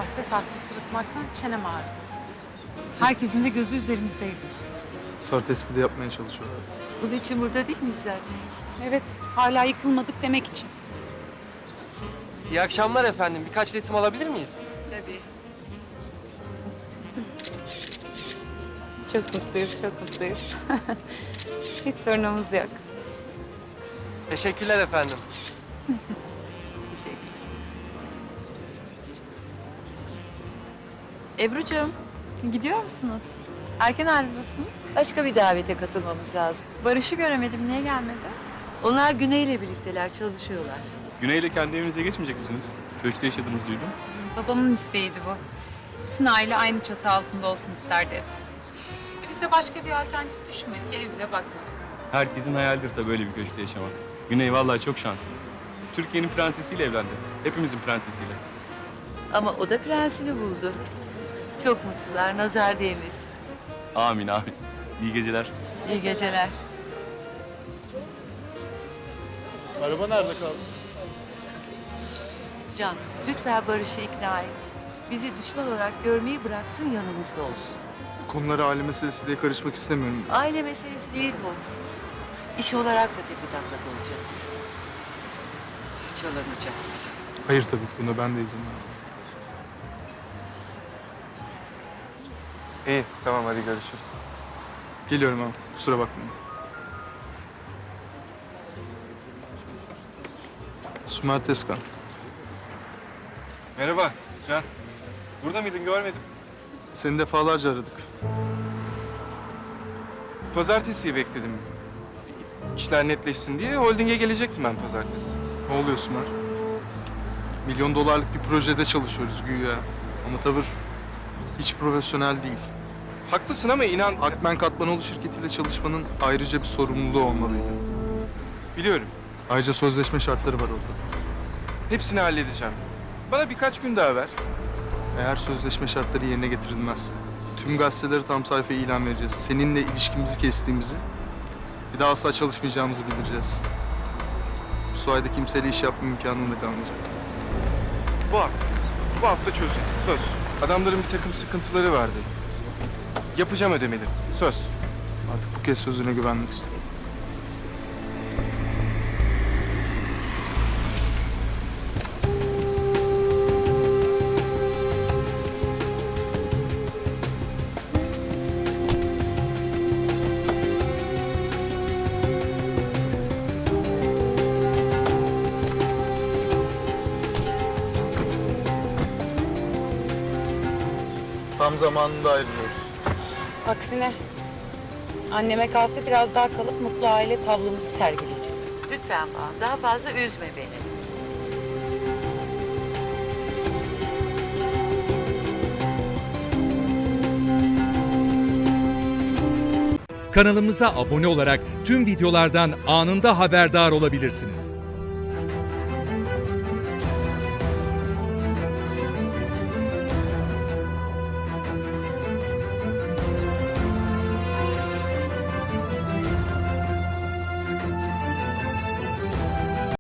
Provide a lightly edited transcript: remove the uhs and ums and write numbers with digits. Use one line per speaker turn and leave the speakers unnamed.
Sahte sahte sırıtmaktan çenem ağrıdı. Herkesin de gözü üzerimizdeydi.
Sar tespiti yapmaya çalışıyorlar.
Bunun için burada değil miyiz zaten?
Evet, hala yıkılmadık demek için.
İyi akşamlar efendim. Birkaç resim alabilir miyiz?
Tabii.
Çok mutluyuz, çok mutluyuz. Hiç sorunumuz yok.
Teşekkürler efendim.
Teşekkür.
Ebru'cum, gidiyor musunuz? Erken ayrılıyorsunuz.
Başka bir davete katılmamız lazım.
Barış'ı göremedim, niye gelmedi?
Onlar Güney'le birlikteler, çalışıyorlar.
Güney'le kendi evinize geçmeyecek misiniz? Köşkte yaşadınız duydum.
Babamın isteğiydi bu. Bütün aile aynı çatı altında olsun isterdi. Biz de başka bir alternatif düşünmedik, ev bile bakmadık.
Herkesin hayalidir tabii böyle bir köşkte yaşamak. Güney vallahi çok şanslı. Türkiye'nin prensesiyle evlendi. Hepimizin prensesiyle.
Ama o da prensini buldu. Çok mutlular, nazar değmesin.
Amin amin. İyi geceler.
İyi geceler.
Araba nerede kaldı?
Can, lütfen Barış'ı ikna et. Bizi düşman olarak görmeyi bıraksın, yanımızda olsun.
Konulara aile meselesi diye karışmak istemiyorum.
Aile meselesi değil bu. İş olarak da tepetaklak olacağız. Parçalanacağız.
Hayır tabii ki buna ben de izin vermem.
İyi, tamam hadi görüşürüz.
Geliyorum abi, kusura bakmayın. Sümer Tezkan.
Merhaba Can. Burada mıydın görmedim.
Seni defalarca aradık.
Pazartesiyi bekledim. İşler netleşsin diye holdinge gelecektim ben pazartesi.
Ne oluyor Sümer? Milyon dolarlık bir projede çalışıyoruz güya. Ama tavır hiç profesyonel değil.
Haklısın ama inan...
Akmen Katmanoğlu şirketiyle çalışmanın ayrıca bir sorumluluğu olmalıydı.
Biliyorum.
Ayrıca sözleşme şartları var orada.
Hepsini halledeceğim. Bana birkaç gün daha ver.
Eğer sözleşme şartları yerine getirilmezse tüm gazetelere tam sayfa ilan vereceğiz. Seninle ilişkimizi kestiğimizi, bir daha asla çalışmayacağımızı bildireceğiz. Bu sayede kimseyle iş yapma imkanın da kalmayacak.
Bu hafta. Bu hafta çözün. Söz. Adamların bir takım sıkıntıları vardı. Yapacağım ödemeleri. Söz.
Artık bu kez sözüne güvenmek istiyorum. Tam zamanında ayrılıyoruz.
Aksine anneme kalsa biraz daha kalıp mutlu aile tablomuzu sergileyeceğiz.
Lütfen Banu, daha fazla üzme beni.
Kanalımıza abone olarak tüm videolardan anında haberdar olabilirsiniz.